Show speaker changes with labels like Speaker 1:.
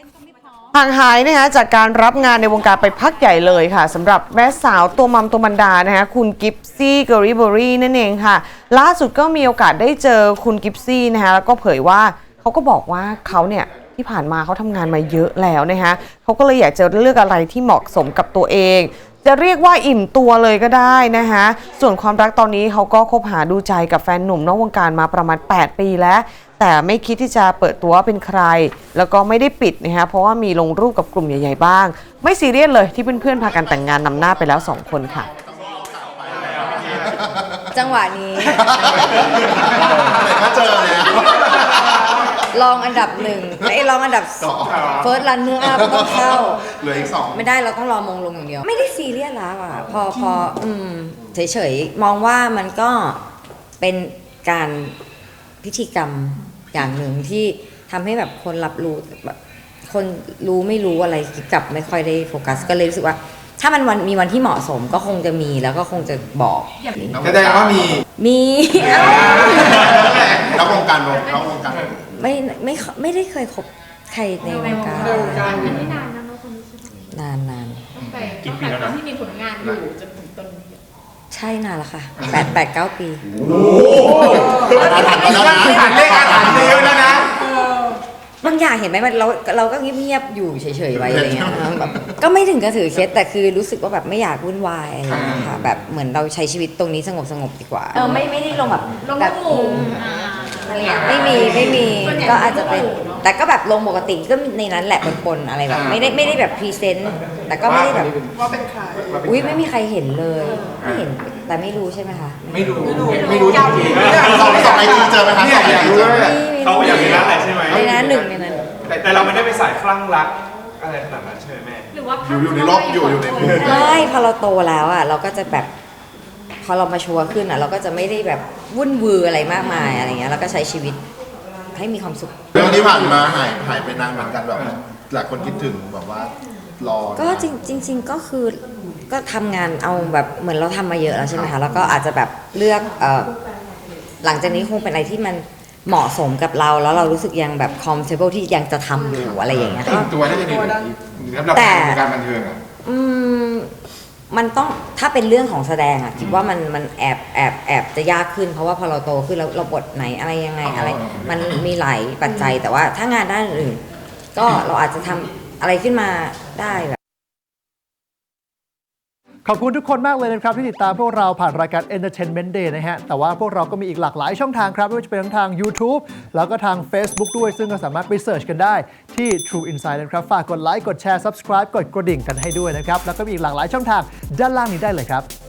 Speaker 1: ห่างหายนะคะจากการรับงานในวงการไปพักใหญ่เลยค่ะสำหรับแม่สาวตัวมัมตัวมันดานะคะคุณกิฟซี่เกอริเบอรี่นั่นเองค่ะล่าสุดก็มีโอกาสได้เจอคุณกิฟซี่นะคะแล้วก็เผยว่าเขาก็บอกว่าเขาเนี่ยที่ผ่านมาเขาทำงานมาเยอะแล้วนะคะเขาก็เลยอยากจะเลือกอะไรที่เหมาะสมกับตัวเองจะเรียกว่าอิ่มตัวเลยก็ได้นะคะส่วนความรักตอนนี้เขาก็คบหาดูใจกับแฟนหนุ่มนอกวงการมาประมาณ8 ปีแล้วแต่ไม่คิดที่จะเปิดตัวเป็นใครแล้วก็ไม่ได้ปิดนะคะเพราะว่ามีลงรูปกับกลุ่มใหญ่ๆบ้างไม่ซีเรียสเลยที่เพื่อนๆพากันแต่งงานนำหน้าไปแล้ว2 คนค่ะ
Speaker 2: จังหวะนี้
Speaker 3: ก็เจอเลย
Speaker 2: ลองอันดับ1ไอ้ลองอันดับเฟิร์สรันเนื้ออัพต้องเข้า
Speaker 3: เหลืออีก2
Speaker 2: ไม่ได้เราต้องรอมงลงอย่างเดียวไม่ได้ซีเรียสแล้วอ่ะพอเฉยๆมองว่ามันก็เป็นการพิธีกรรมอย่างหนึ่งที่ทำให้แบบคนรับรู้แบบคนรู้ไม่รู้อะไรกับไม่ค่อยได้โฟกัสก็เลยรู้สึกว่าถ้ามันมีวันที่เหมาะสมก็คงจะมีแล้วก็คงจะบอก
Speaker 3: แสดงว่ามีรับวงการ
Speaker 2: ไม่ได้เคยคบใครในวงการ
Speaker 4: ไม่นานนะน้องคนนี้
Speaker 2: นาน
Speaker 4: กี่ปีแล้วนะที่มีผลงานอยู่จนถึงตอนนี้
Speaker 2: ใช่นานแล้วค่ะ8-9 ปี
Speaker 3: อาถรรพ์เยอะแล้วนะ
Speaker 2: บางอย่างเห็นไหมมันเราก็เงียบๆอยู่เฉยๆไว้อะไรเงี้ยแบบก็ไม่ถึงกระถือเคสแต่คือรู้สึกว่าแบบไม่อยากวุ่นวายอะไรเงี้ยค่ะแบบเหมือนเราใช้ชีวิตตรงนี้สงบดีกว่าไม่ได้ลงแบบ
Speaker 4: ลงหมู่
Speaker 2: อะไรเงี้ยไม่มีก็อาจจะเป็นแต่ก็แบบลงปกติก็ในนั้นแหละปนๆอะไรแบบไม่ได้แบบพรีเซนต์แต่ก็ไม่ได้แบบ
Speaker 4: ว่าเป็นใคร
Speaker 2: อุ้ยไม่มีใครเห็นเลยไม่เห็นแต่ไม่รู้ใช่ไหมคะ
Speaker 3: ไม่รู้จริงๆส่งไอจีเจอไหมคะส่งไอจีเจอไหม
Speaker 5: เขาอย่างนี้นั่นแหละใช่ไหม
Speaker 2: ในนั้นหนึ่งในนั้น
Speaker 5: แต่เราไม่ได้ไปสายคลั่งรักอะไรขนาดนั้นใช่ไหมแม่
Speaker 4: หรือว่า
Speaker 3: อยู่ในรอบอยู่ในมุม
Speaker 2: ไม่พอเราโตแล้วอ่ะเราก็จะแบบพอเรามาชัวร์ขึ้นอ่ะเราก็จะไม่ได้แบบวุ่นวืออะไรมากมายอะไรเงี้ยแล้วก็ใช้ชีวิตให้มีความสุข
Speaker 3: เรื่องที่ผ่านมาหายไปนานเหมือนกันแบบหลายคนคิดถึงแบบว่ารอ
Speaker 2: ก็จริงก็คือก็ทำงานเอาแบบเหมือนเราทำมาเยอะแล้วใช่ไหมคะแล้วก็อาจจะแบบเลือกหลังจากนี้คงเป็นอะไรที่มันเหมาะสมกับเราแล้วเรารู้สึกยังแบบ comfortable ที่ยังจะทำอยู่อะไรอย่างเงี้ย
Speaker 3: ค่ะตัวได้จะดีแต่การบันเทิงอ่ะ
Speaker 2: มันต้องถ้าเป็นเรื่องของแสดงอะคิดว่ามันแอบจะยากขึ้นเพราะว่าพอเราโตขึ้นแล้วเราบทไหนอะไรยังไงอะไรมันมีหลายปัจจัยแต่ว่าถ้างานด้านอื่นก็เราอาจจะทำอะไรขึ้นมาได้แบบ
Speaker 6: ขอบคุณทุกคนมากเลยนะครับที่ติดตามพวกเราผ่านรายการ Entertainment Day นะฮะแต่ว่าพวกเราก็มีอีกหลากหลายช่องทางครับไม่ว่าจะเป็นทั้งทาง YouTube แล้วก็ทาง Facebook ด้วยซึ่งก็สามารถไปเสิร์ชกันได้ที่ True Insight นะครับฝากกดไลค์กดแชร์ Subscribe กดกระดิ่งกันให้ด้วยนะครับแล้วก็มีอีกหลากหลายช่องทางด้านล่างนี้ได้เลยครับ